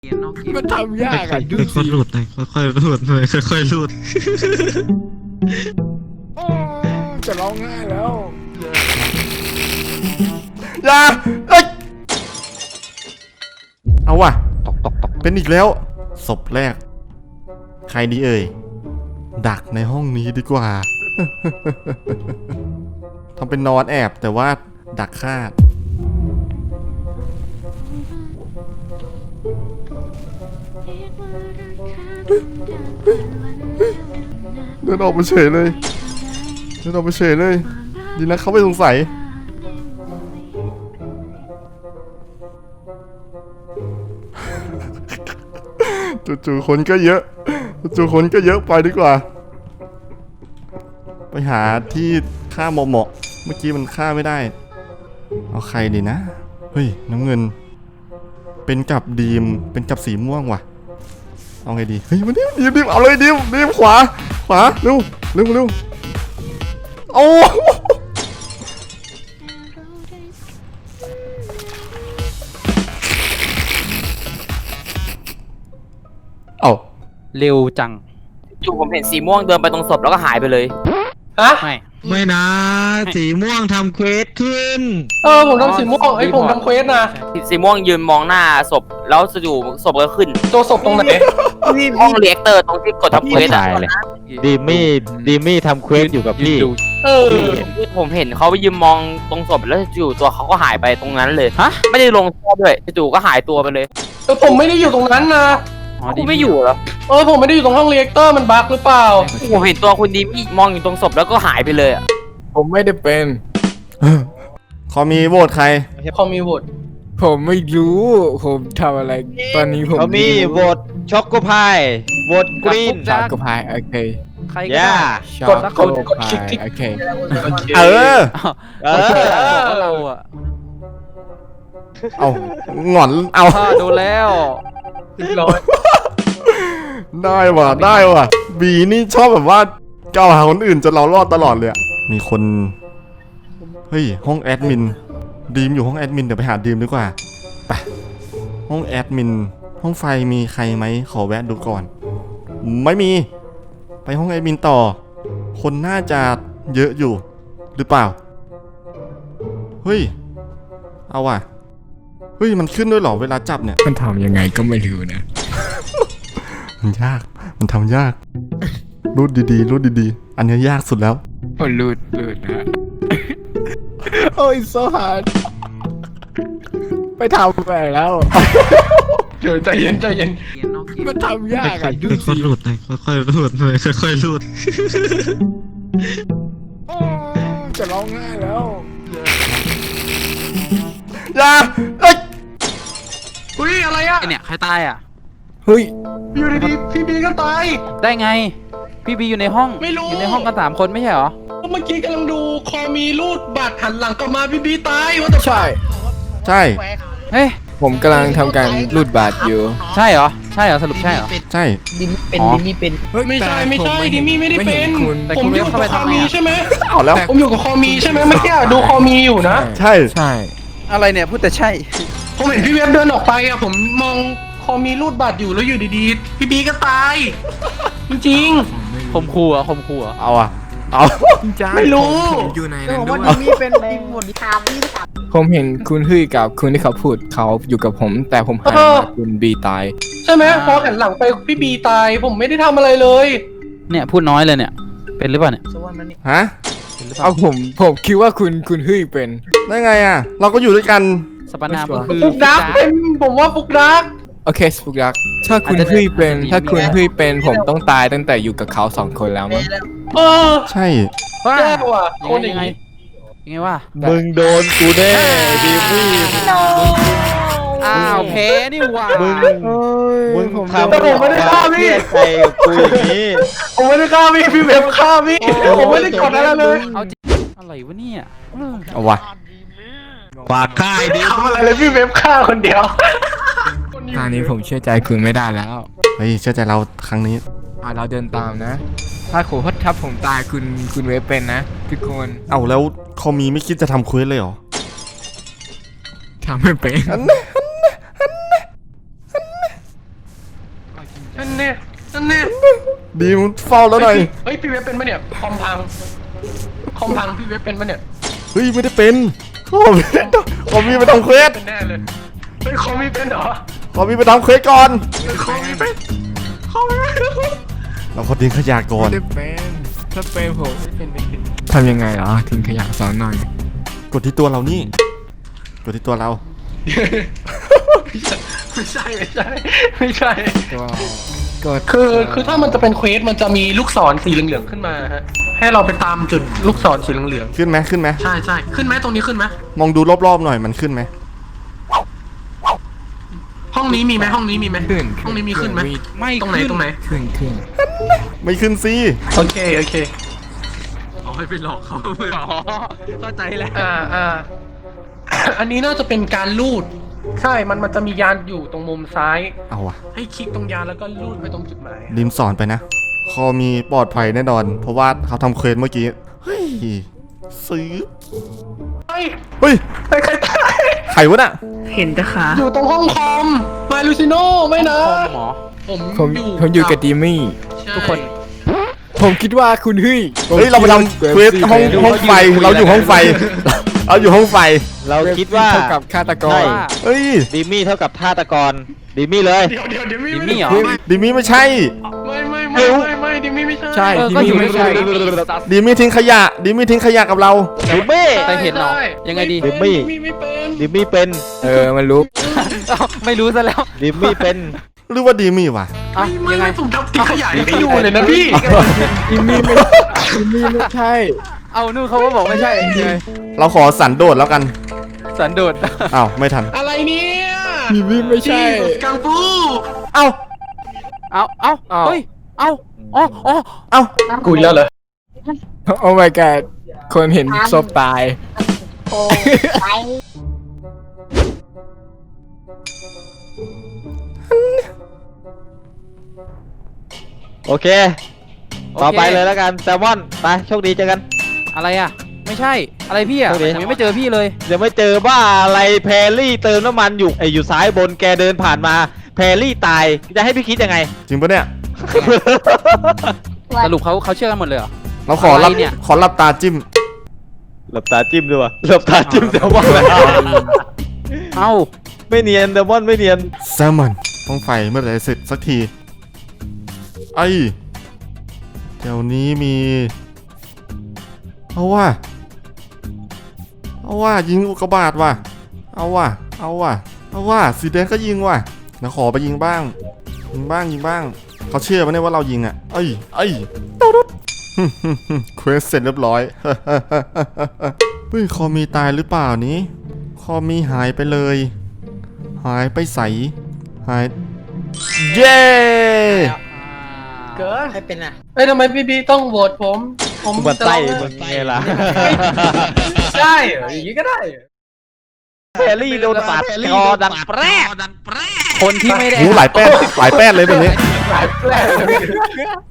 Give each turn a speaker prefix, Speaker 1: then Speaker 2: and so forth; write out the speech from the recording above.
Speaker 1: มันทำยากอ่ะดูสิ
Speaker 2: ค่อยๆหลุดหน่อยค่อยๆหลุดหน่อยค่อยๆหลุด
Speaker 1: จะร้องไห้แล้วอย่าเอ้ยเอาว่ะตกเป็นอีกแล้วศพแรกใครดีเอ่ยดักในห้องนี้ดีกว่า ทำเป็นนอนแอบแต่ว่าดักฆ่าเดินออกไปเฉยเลยดีนะเขาไม่สงสัยจู่ๆคนก็เยอะไปดีกว่าไปหาที่ฆ่าเหมาะเมื่อกี้มันฆ่าไม่ได้เอาใครดีนะเฮ้ยน้ำเงินเป็นกับดีมเป็นกับสีม่วงว่ะเอาไงดีเฮ้ยมันดิมเอาเลยดิมขวาเร็วโอ้เอา
Speaker 3: เร็วจัง
Speaker 4: จู่ผมเห็นสีม่วงเดินไปตรงศพแล้วก็หายไปเลยฮะ
Speaker 2: ไม่นะสีม่วงทำเควสขึ้น
Speaker 5: ผมทำสีม่วงผมทำเควสนะ
Speaker 4: สีม่วงยืนมองหน้าศพแล้วจู่ศพก็ขึ้น
Speaker 5: ตัวศพตรงไหน
Speaker 4: ห้องเรียกเตอร์ตรงที่กดทำเควสอะ
Speaker 6: ดิมี่ทำเควสอยู่กับพี่
Speaker 4: ผมเห็นเขาไปยืนมองตรงศพแล้วจู่ตัวเขาก็หายไปตรงนั้นเลยฮะไม่ได้ลงท่อด้วยจู่ก็หายตัวไปเลย
Speaker 5: ผมไม่ได้อยู่ตรงนั้นนะ
Speaker 4: คุณไม่อยู่เหรอ
Speaker 5: ผมไม่ได้อยู่ตรงห้องเรียกเตอร์มันบั๊กหรือเปล่า
Speaker 4: ผมเห็นตัวคุณดีมี่มองอยู่ตรงศพแล้วก็หายไปเลยอะ
Speaker 1: ผมไม่ได้เป็นขอมีโหวตใคร
Speaker 5: พอมีโหวต
Speaker 1: ผมไม่รู้ผมทำอะไรตอนนี้ผม
Speaker 6: เขามีโหวตช็อกโกพายโหวตกรีน
Speaker 1: ช็อกโกพายโอเค
Speaker 3: ใครก็
Speaker 6: ย่า
Speaker 3: ได้
Speaker 1: ช็อกโกพายโอเคเออ
Speaker 6: เออ
Speaker 3: เราอะ
Speaker 1: เอาหงอนเอา
Speaker 3: ดูแล้ว
Speaker 5: ร้อย
Speaker 1: ได้ว่ะบีนี่ชอบแบบว่าเกล่าวหาคนอื่นจนเรารอดตลอดเลยอะมีคนเฮ้ยห้องแอดมินดีมอยู่ห้องแอดมินเดี๋ยวไปหาดีมดีกว่าไปห้องแอดมินห้องไฟมีใครไหมขอแวะดูก่อนไม่มีไปห้องแอดมินต่อคนน่าจะเยอะอยู่หรือเปล่าเฮ้ยเอาว่ะเฮ้ยมันขึ้นด้วยเหรอเวลาจับเนี่ย
Speaker 7: มันทำยังไงก็ไม่รู้นะ
Speaker 1: มันยากมันทำยากรูดดีๆอันนี้ยากสุดแล้ว
Speaker 7: โอ้ลูดนะ โอ้ยโซฮาร์ดไปทำไปแล้ว
Speaker 5: เดี๋ยวใจเย็น
Speaker 7: มันทำยากอ่ะดู
Speaker 2: ค่
Speaker 7: สิ
Speaker 2: อยๆหลุดหน่อยค่อยๆหลุดหน่อยค่อยๆหลุด
Speaker 1: จะร้องไห้แล้วอย่าเอ้ย
Speaker 5: อุ้ยอะไรอ่ะ
Speaker 3: ไอเนี่ยใครตายอ่ะ
Speaker 7: เฮ้ย
Speaker 5: อยู่ดีๆพี่บีก็ตาย
Speaker 3: ได้ไง พี่บีอยู่ในห้อง
Speaker 5: ไม่รู้
Speaker 3: อยู่ในห้องกัน3 คนไม่ใช่เหรอ
Speaker 5: เมื่อกี้กำลังดูคอมีรูดบัตรหันหลังกลับมาพี่บีตายว่าแต่
Speaker 1: ใช่
Speaker 3: เฮ้ย
Speaker 7: ผมกำลังทำการรูดบัตรอยู่
Speaker 3: ใช่เหรอสรุปใช่เหรอ
Speaker 1: ใช่
Speaker 3: อ๋อ
Speaker 5: ไม่ใช่ดิมี่ไม่ได้เป็น
Speaker 7: คุณ
Speaker 3: แต่
Speaker 5: ผ
Speaker 3: คุ
Speaker 5: ม
Speaker 3: ณ
Speaker 5: อยู่
Speaker 3: เข้า
Speaker 5: กับ
Speaker 3: ไป
Speaker 5: คอ
Speaker 3: ทำไม
Speaker 5: มี
Speaker 3: อะ
Speaker 5: ใช่ไหม
Speaker 1: เอาแล้ว
Speaker 5: ผมอยู่กับคอมีใช่ไหมเมื่อกี้ดูคอมีอยู่นะ
Speaker 1: ใช่
Speaker 7: ใช่
Speaker 3: อะไรเนี่ยพูดแต่ใช่
Speaker 5: ผมเห็นพี่เว็บเดินออกไปอะผมมองคอมีรูดบัตรอยู่แล้วอยู่ดีๆพี่บีก็ตาย จริง
Speaker 3: คมคู่อะ
Speaker 1: เอาอะเอา
Speaker 5: ไม่รู้
Speaker 7: ผมอยู่ในนั้นด้วย ผมเห็นคุณฮึ่ยกับคุณที่เขาพูดเขาอยู่กับผม แต่ผมหันมาคุณบีตาย
Speaker 5: ๆ ใช่ไหมพอหันหลังไปพี่บีตายผมไม่ได้ทำอะไรเลย
Speaker 3: เนี่ยพูดน้อยเลยเนี่ย เป็นหรือเปล่าเนี่ย
Speaker 1: ฮะ
Speaker 3: เป็นหรือเปล่า
Speaker 7: เอาผมคิดว่าคุณฮึ่ยเป็น
Speaker 1: ได้ไงอะเราก็อยู่ด้วยกัน
Speaker 3: สปานามก็คือ
Speaker 5: ฟุกดักเป็นผมว่าฟุกดัก
Speaker 7: โอเคสปุกยักษ์ถ้าคุณฮึ่ยเป็น ผมต้องตายตั้งแต่อยู่กับเขา2 คนแล้วมั้ง
Speaker 5: เออ
Speaker 1: ใช่
Speaker 3: ว่า
Speaker 5: แย่ว่ะคนอ
Speaker 3: ยั
Speaker 5: ย่าง ง
Speaker 3: ไง
Speaker 5: นี้
Speaker 3: ยังไงว่า
Speaker 6: มึงโดนกูแน่ดิมี่
Speaker 3: อ้าวแพ้นี่หว่า
Speaker 6: มึงทำ
Speaker 5: แต่ผมไม่ได้ฆ่าพี่
Speaker 6: ใจกับกูอย่างนี้
Speaker 5: ผมไม่ได้ฆ่าพี่เว็บฆ่าพี่ผมไม่ได้กดอะไรเลย
Speaker 3: เอาจริงอะไรวะเนี่ย
Speaker 1: เอาวะ
Speaker 6: ฝากค่ายดิ
Speaker 5: ทำอะไรเลยพี่เว็บฆ่าคนเดียว
Speaker 7: ตอนนี้ผมเชื่อใจคุณไม่ได้แล้ว
Speaker 1: เฮ้ยเชื่อใจเราครั้งนี้
Speaker 7: เราเดินตามนะ ถ้าผมตายคุณเวฟเป็นนะทุกคน
Speaker 1: เอาแล้วคอมีไม่คิดจะทำเควสเลยเหรอ
Speaker 7: ทำไม่เป็น
Speaker 5: เนี่ยนั่นเนี่ย
Speaker 1: ดีมเฝ้าแล้วหน่อย
Speaker 5: เฮ้ยพี่เว็บเป็นปะเนี่ยคอมพังพี่เว็บเป็นปะเนี่ย
Speaker 1: เฮ้ยไม่ได้เป็นขอมีไปทำเควส
Speaker 5: เป็นแน่เลยเฮ้ยคอมมีเป็นเหรอ
Speaker 1: ขอมีไปทำเควสก่อน
Speaker 5: คอมมีเป็นคอมมีเป็น
Speaker 1: เราขอทิ้งขยะก่อน
Speaker 7: ไม่ได้เป็นถ้าเป็นผม
Speaker 5: ไม่เป็น
Speaker 7: ทำยังไงเหรอทิ้งขยะสอนหน่อย
Speaker 1: กดที่ตัวเรานี่ กดที่ตัวเรา
Speaker 5: ไม่ใช่
Speaker 7: ก็กด
Speaker 5: คือถ้ามันจะเป็นเควสมันจะมีลูกศรสีเหลืองๆขึ้นมาฮะให้เราไปตามจุดลูกศรสีเหลือง
Speaker 1: ขึ้นไหมขึ้นไหม
Speaker 5: ๆใช่ขึ้นไหมตรงนี้ขึ้นไหม
Speaker 1: มองดูรอบๆหน่อยมันขึ้นไหม
Speaker 5: ห้องนี้มีไหมห้องนี้มีไหม
Speaker 7: ขึ้น
Speaker 5: ห้องนี้มีขึ้นไหม
Speaker 3: ไม่
Speaker 5: ตรงไหน
Speaker 3: ขึ้น
Speaker 5: ตรงไหน
Speaker 7: ขึ้น
Speaker 1: ไม่ขึ้นสิ
Speaker 5: โอเคเอาให้ไปหลอกเขา
Speaker 3: เข้าใจแล้ว
Speaker 5: อันนี้น่าจะเป็นการลูด ใช่ มันจะมียานอยู่ตรงมุมซ้าย
Speaker 1: เอาวะ
Speaker 5: ให้คลิกตรงยานแล้วก็ลูดไปตรงจุดหมาย
Speaker 1: ดิมสอนไปนะ คอมีปลอดภัยแน่นอน เพราะว่าเขาทำเควสเมื่อกี้ เฮ้ย ซื้อ
Speaker 5: เฮ้ย
Speaker 1: เฮ้ย
Speaker 5: ใครตาย
Speaker 1: ใครวะน่ะ
Speaker 5: อยู่ตรงห้องคอมมาลูซิโน่ไม่นะ
Speaker 3: หมอ
Speaker 7: ผมอยู่กับดีมี่
Speaker 5: ใช่
Speaker 3: ทุกคน
Speaker 7: ผมคิดว่าคุณเฮ้ย
Speaker 1: เฮ้ย เราไปทำเควสห้องไฟ เราอยู่ห้องไฟ เราอยู่ห้องไฟ
Speaker 6: เราคิดว่า
Speaker 7: เท่ากับฆาตก
Speaker 6: ใช่
Speaker 7: ร
Speaker 1: เฮ้ย
Speaker 6: ดิมี่เท่ากับฆาตกรดิมี่เลย
Speaker 5: เดี๋ยว
Speaker 3: ดิมี่เหรอ
Speaker 1: ดิมี่ไม่ใช่
Speaker 5: ไม่ดิมี่ไม่ใช่
Speaker 7: ใช่
Speaker 3: เออ
Speaker 7: ที่
Speaker 3: ก็
Speaker 7: นี่
Speaker 3: อยู่
Speaker 7: ไม่
Speaker 3: ไม่
Speaker 7: ใช่
Speaker 3: ใช่
Speaker 1: ดิมี่ทิ้งขยะ ดิมี่ทิ้งขยะกับเรา
Speaker 6: ดิมี่
Speaker 3: แต่เห็นเหรอยังไงดี
Speaker 6: ดิมี่
Speaker 5: ไม่เป็น
Speaker 6: ดิมี่เป็น
Speaker 7: มันรู้
Speaker 3: เอ้าไม่รู้ซะแล้ว
Speaker 6: ดิมี่เป็น
Speaker 1: หรือว่าดิมี่วะ
Speaker 3: เอ้า
Speaker 5: ไม่
Speaker 3: ยังไง
Speaker 5: ผมทำทิ้งขยะยังไม่อยู่เลยนะพี่
Speaker 7: ดีมี่ไม่ใช่
Speaker 3: เอานู่นเขาก็บอกไม่ใช่ยังไง
Speaker 1: เราขอสันโดษแล้วกัน
Speaker 3: สันโดษ
Speaker 1: อ้าว ไม่ทัน
Speaker 5: อะไรเนี่ย
Speaker 7: ดีมี่ไม่ใช่
Speaker 5: กังฟู
Speaker 1: เอ้า
Speaker 3: เอาเฮ้ยเอาอ๋อ
Speaker 1: เอ้า
Speaker 5: กุยแล้วเหรอ
Speaker 7: โอ้ my god คนเห็นศพตาย
Speaker 6: โอเค ต่อไปเลยแล้วกันแซลมอนไปโชคดีเจอกัน
Speaker 3: อะไรอ่ะ ไม่ใช่ อะไรพี่อ่ะ
Speaker 6: โอเค
Speaker 3: ผมยังไม่เจอพี่เลย
Speaker 6: ยังไม่เจอบ้าอะไรแพรรี่เติมน้ำมันอยู่อยู่ซ้ายบนแกเดินผ่านมาแพรรี่ตายจะให้พี่คิดยังไง
Speaker 1: จริงปะเนี่ย
Speaker 3: สรุปเขาเชื่อกันหมดเลยเหรอ
Speaker 1: เราขอรับ
Speaker 3: อะไรเนี่ย
Speaker 1: ขอรับตาจิ้ม
Speaker 6: หลับตาจิ้มด้วยวะหลับตาจิ้มแซลมอนแล้ว
Speaker 3: เอ้า
Speaker 6: ไม่เนียนแซลมอนไม่เนียน
Speaker 1: แซลมอนต้องไฟเมื่อไหร่เสร็จสักที ไอ้เดี๋ยวนี้มี เอาว่ายิงอุกกาบาตว่ะ เอาว่าสีแดงก็ยิงว่ะนะขอไปยิงบ้าง เขาเชื่อไหมเนี่ยว่าเรายิงอ่ะ เอ้ยตุ๊ดเควสเสร็จเรียบร้อย เฮ้ยคอมีตายหรือเปล่านี้ คอมีหายไปเลย หายไปใส หาย เย้
Speaker 5: เกิดให้เป็นอ่ะเอ้ยทำไมพี่ต้องโหวตผม
Speaker 6: มันไส้
Speaker 5: จะ
Speaker 6: มันไงล่ะ
Speaker 5: ได้เหรออย่างนี้ก็ได้เหรอ
Speaker 6: แพรรี่โดนปาดคอดังแปรก
Speaker 3: คนที่ไม่ได้
Speaker 1: หูหลายแป้นเลยแบบนี้